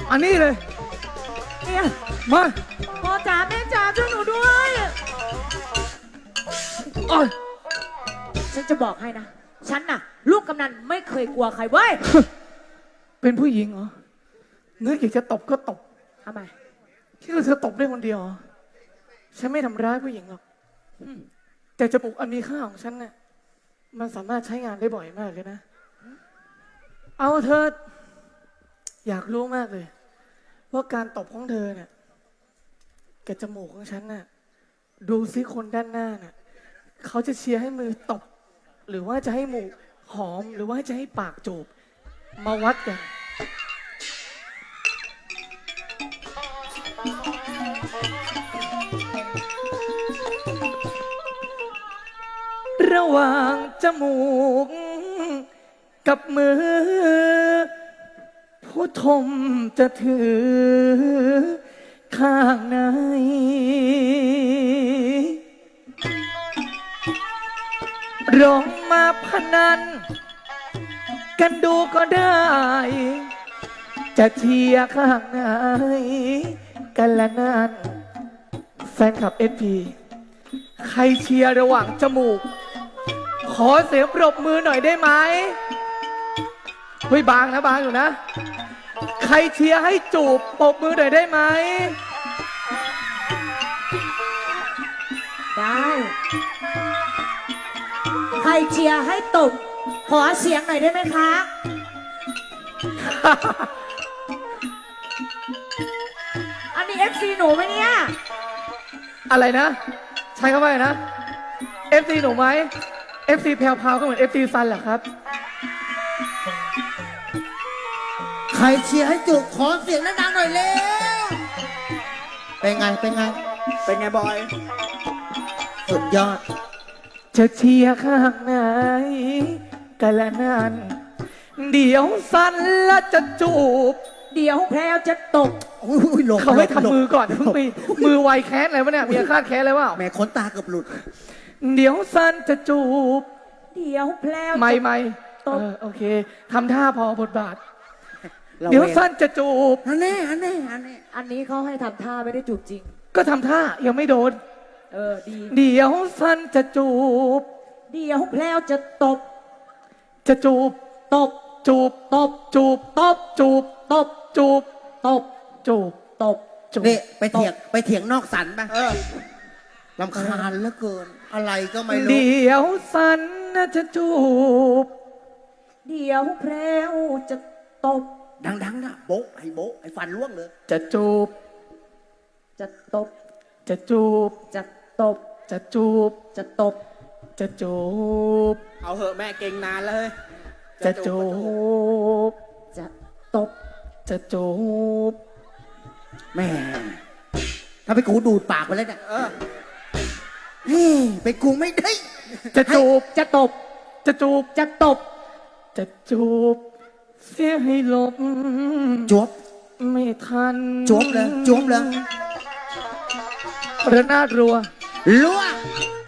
อันนี้เลยเนี่ยมาพ่อจ๋าแม่จ๋าช่วยหนูด้วยโอ้ยฉันจะบอกให้นะ ฉันน่ะ ลูกกำนันไม่เคยกลัวใครเว้ยเป็นผู้หญิงเหรอนึกอยากจะตบก็ตบทำไมที่เธอตบได้คนเดียวเหรอฉันไม่ทำร้ายผู้หญิงหรอกแต่จมูกอันมีค่าของฉันเนี่ยมันสามารถใช้งานได้บ่อยมากเลยนะ เอาเธอ อยากรู้มากเลย ว่าการตบของเธอเนี่ยกับจมูกของฉันน่ะดูซิคนด้านหน้าน่ะเขาจะเชียร์ให้มือตบ หรือว่าจะให้หมูกหอมหรือว่าจะให้ปากจูบมาวัดกันระหว่างจมูกกับมือผู้ทมจะถือข้างในร้องมาพนันกันดูก็ได้ จะเชียร์ข้างไหนกันละนั่นแฟนคลับSPใครเชียร์ระหว่างจมูกขอเสียงปรบมือหน่อยได้ไหมเฮ้ยบางนะบางอยู่นะใครเชียร์ให้จูบปรบมือหน่อยได้ไหมได้ ใครเชียร์ให้ตบ ขอเสียงหน่อยได้ไหมคะ อันนี้ FC หนูไหมเนี่ยอะไรนะ ใช้คำว่าอะไรนะ FC หนูไหม FC แพรวพราวก็เหมือน FC ซันเหรอครับใครเชียร์ให้จุกขอเสียงดังๆหน่อยเร็วเป็นไง เป็นไงเป็นไงบอยสุดยอดจะเชียร์ข้างไหนกันละนั่นเดี๋ยวสันและจะจูบเดี๋ยวแพรวจะตบอุ้ยหลงเขาให้หลงทำมือก่อนเพิ่งไปมือไวแค้นอะไรวะเนี่ยมีอาฆาตแค้นอะไรวะแหม่ขนตาเกือบหลุดเดี๋ยวสันจะจูบเดี๋ยวแพรวจะไม่ตบโอเคทำท่าพอบทบาทเราเดี๋ยวเวรสันจะจูบอันนี้อันนี้อันนี้อันนี้เขาให้ทำท่าไม่ได้จูบจริงก็ทำท่ายังไม่โดนดีเดี๋ยวสันจะจูบเดี๋ยวแพรวจะตบจะจูบตบจูบตบจูบตบจูบตบจูบตบจูบตบจูบนี่ไปเถียงนอกสันไปลำคาญเหลือเกิน อะไรก็ไม่รู้เดี๋ยวสันน่ะจะจูบเดี๋ยวแพรวจะตบดังๆนะโบ๊ะไอ้ฟันล่วงเลยจะจูบจะตบจะจูบจะตบจะจูบจะตบจะจูบเอาเหอะแม่เก่งนานแล้วเฮ้ยจะจูบจะตบจะจูบแม่ถ้าไปกูดูดปากไปแล้วเนี่ยเฮ้ยไปกูไม่ได้จะจูบจะตบจะจูบจะตบจะจูบ เสียให้หลบจวบไม่ทันจวบเลยจวบเลยระนาดรัวล่วง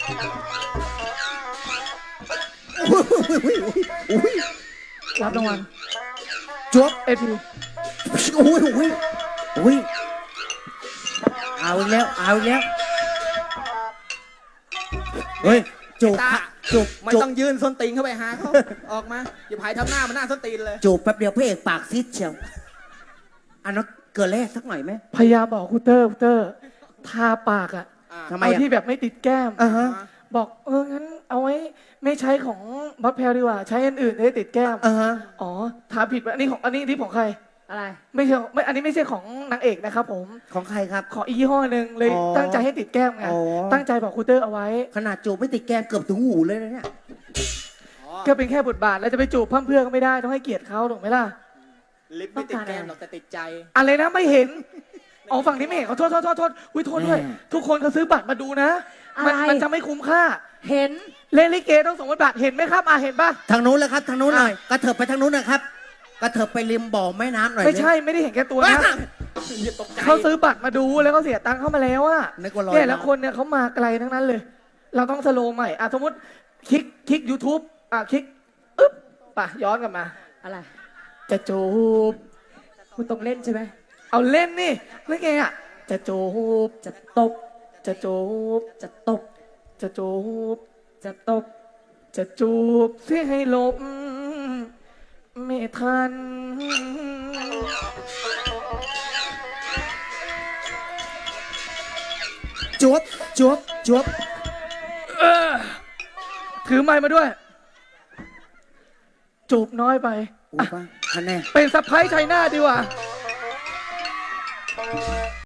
อุ้ยรับรางวัลจวบ SP อุ้ยเอาอีกแล้วเอาอีกแล้วเฮ้ยจูบตาค่ะจูบไม่จูบต้องยืนส้นตีนเข้าไปหาเขา ออกมาอย่าพายทำหน้ามันหน้าส้นตีนเลยจูบแป๊บเดียวพระเอกปากซิดเชียวอันนั้นเกลือแร่สักหน่อยไหมพยายามบอกคุณเตอร์ทาปากอะทำไมเอาอ่ะที่แบบไม่ติดแก้มอ่าฮะบอกงั้นเอาไว้ไม่ใช้ของบัตแพลดีกว่า ใช้อันอื่นได้ติดแก้มอ่าฮะอ๋อทาผิดไปอันนี้ของใครอะไรไม่ใช่ไม่อันนี้ไม่ใช่ของนางเอกนะครับผมของใครครับขออีกยี่ห้อหนึ่งเลยอ๋อตั้งใจให้ติดแก้มไงอ๋อตั้งใจบอกคุณเตอร์เอาไว้ขนาดจูบไม่ติดแก้มเกือบถึงหูเลยนะเนี่ยก็เป็นแค่บทบาทแล้วจะไปจูบเพื่อนก็ไม่ได้ต้องให้เกียรติเขาถูกไหมล่ะลิปไม่ติดแก้มหรอกแต่ติดใจอะไรนะไม่เห็นอ๋อฝั่งนี้ไม่เห็นขอโทษอุ้ยโทษด้วย ทุกคนเขาซื้อบัตรมาดูนะมันจะไม่คุ้มค่าเห็นเล่นลิเกต้อง2 บาทเห็นไหมครับเห็นปะทางนู้นเลยครับทางนู้นหน่อยกระเถิบไปทางนู้นนะครับกระเถิบไปริมบ่อแม่น้ำหน่อยไม่ใช่ไม่ได้เห็นแก่ตัวนะอย่าตกใจเขาซื้อบัตรมาดูแล้วก็เสียตังค์เข้ามาแล้วอะนึกว่าลอยเนี่ยแล้วคนเนี่ยเขามาไกลทั้งนั้นเลย เราต้องสโลว์ใหม่สมมติคลิก YouTube คลิกอึ๊บป่ะย้อนกลับมาอะไรจะจูบคุณต้องเล่นใช่ไหมเอาเล่นนี่แล้วไงอ่ะจะจูบจะตบจะจูบจะตบจะจูบจะตบจะจูบเสียให้หลบไม่ทันจวบจวบจวบถือไม้มาด้วย จูบน้อยไปอุ้ยป่ะคะแนนเป็นสะพ้ายชัยนาทดีกว่าเ